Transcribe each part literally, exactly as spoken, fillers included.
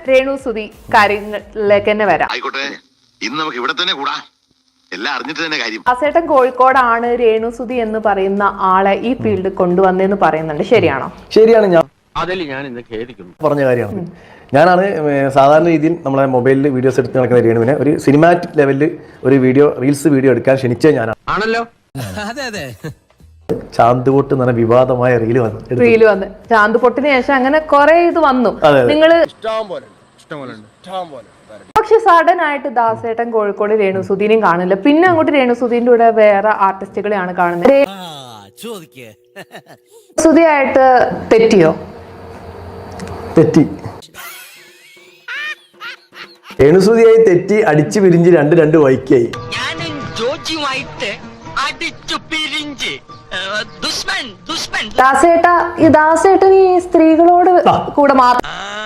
രേണു സുധി കാര്യങ്ങളിലേക്ക് തന്നെ വരാം. ആയിക്കോട്ടെ, ഇന്ന് നമുക്ക് ഇവിടെ തന്നെ കൂടാ, എല്ലാം അറിഞ്ഞിട്ട് തന്നെ കാര്യം. ദാസേട്ടൻ കോഴിക്കോടാണ് രേണു സുധി എന്ന് പറയുന്ന ആളെ ഈ ഫീൽഡ് കൊണ്ടുവന്നെന്ന് പറയുന്നുണ്ട്, ശരിയാണോ? ശരിയാണ്. ഞാൻ അതിൽ ഞാൻ ഇന്ന് ഖേദിക്കുന്നു പറഞ്ഞ കാര്യമാണ്. ഞാനാണ് സാധാരണ രീതിയിൽ നമ്മളെ മൊബൈലിൽ വീഡിയോസ് എടുത്ത് നടക്കുന്ന രേണുവിനെ ഒരു സിനിമാറ്റിക് ലെവലിൽ ഒരു വീഡിയോ റീൽസ് വീഡിയോ എടുക്കാൻ ക്ഷണിച്ചത് ഞാനാണ്. ആണല്ലോ. അതെ അതെ. ചാന്തുപൊട്ട് എന്ന് പറഞ്ഞ വിവാദമായ റീല് വന്നു റീല് വന്ന് ചാന്ത് പൊട്ടിന് ശേഷം അങ്ങനെ കുറെ ഇത് വന്നു. നിങ്ങള് പക്ഷെ സഡൻ ആയിട്ട് ദാസേട്ടൻ കോഴിക്കോട് രേണു സുധീനെയും കാണില്ല. പിന്നെ അങ്ങോട്ട് രേണു സുധീന്റെ കൂടെ വേറെ ആർട്ടിസ്റ്റുകളെയാണ് കാണുന്നത്. സുധിയായിട്ട് തെറ്റിയോ? തെറ്റി. രേണുസുതിയായി തെറ്റി അടിച്ചു പിരിഞ്ച് രണ്ട് രണ്ട് വൈക്കായി. ദാസേട്ട ഈ ദാസേട്ടൻ ഈ സ്ത്രീകളോട് കൂടെ മാത്രം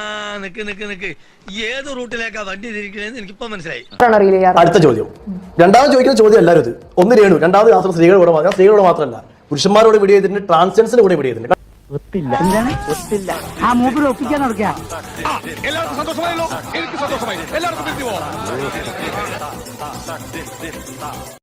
ഏത് റൂട്ടിലേക്കാ വണ്ടി തിരിക്കണേന്ന് എനിക്കിപ്പോ മനസ്സിലായി. അടുത്ത ചോദ്യം, രണ്ടാമത് ചോദിക്കുന്ന ചോദ്യം എല്ലാവരും ഒന്ന് രേണു, രണ്ടാമത് മാത്രം സ്ത്രീകളോട് മാത്രം. സ്ത്രീകളോട് മാത്രമല്ല, പുരുഷന്മാരോട് വീഡിയോ ചെയ്തിട്ടുണ്ട്, ട്രാൻസ്ജെൻഡേഴ്സിന്റെ കൂടെ വീഡിയോ ചെയ്തിട്ടുണ്ട്. ആ മൂപ്പിൽ ഒപ്പിക്കാൻ നടക്കുക. എല്ലാവർക്കും സന്തോഷമായല്ലോ, എനിക്ക് സന്തോഷമായി. എല്ലാവർക്കും